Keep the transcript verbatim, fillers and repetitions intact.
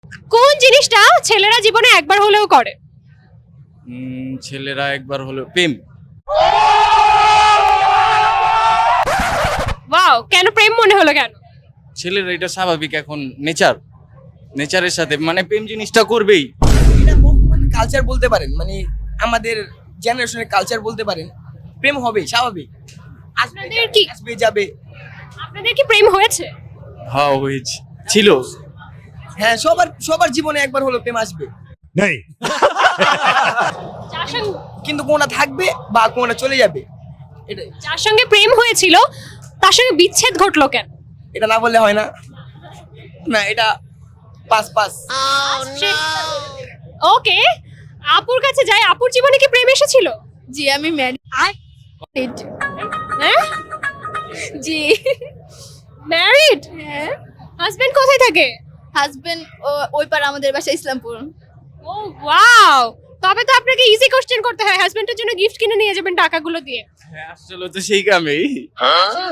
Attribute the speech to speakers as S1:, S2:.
S1: কোন জিনিসটা ছেলেরা জীবনে একবার হলেও করে?
S2: উম, ছেলেরা একবার হলো প্রেম।
S1: ওয়াও, কেন প্রেম মনে হলো কেন?
S2: ছেলেরা এটা স্বাভাবিক, এখন নেচার নেচারের সাথে মানে প্রেম জিনিসটা করবেই।
S3: এটা বর্তমান কালচার বলতে পারেন, মানে আমাদের জেনারেশনের কালচার বলতে পারেন। প্রেম হবে স্বাভাবিক, আসবে
S1: আপনাদের কি
S3: আসবে যাবে।
S1: আপনাদের কি প্রেম হয়েছে?
S2: হ্যাঁ হয়েছে, ছিল।
S3: হ্যাঁ, সবার সবার জীবনে একবার হলো প্রেম আসবে,
S4: नहीं
S1: যার সঙ্গে
S3: কিন্তু কোনটা থাকবে বা কোনটা চলে যাবে, এটাই।
S1: যার সঙ্গে প্রেম হয়েছিল তার সঙ্গে বিচ্ছেদ ঘটলো কেন?
S3: এটা না বললে হয় না, না এটা পাস পাস।
S1: ওকে, আপুর কাছে যাই। আপুর জীবনে কি প্রেম এসেছিল?
S5: জি আমি ম্যারিড।
S1: হ্যাঁ,
S5: জি
S1: ম্যারিড।
S5: হ্যাঁ।
S1: হাজবেন্ড কোথায় থাকে?
S5: হাজবেন্ড ওই পার আমাদের বাসা ইসলামপুর।
S1: ও ওয়াও, তবে তো আপনাকে ইজি কোশ্চেন করতে হয়। হাজবেন্ডের জন্য গিফট কিনে নিয়ে যাবেন টাকাগুলো দিয়ে।
S2: হ্যাঁ আসলে তো সেই কামেই।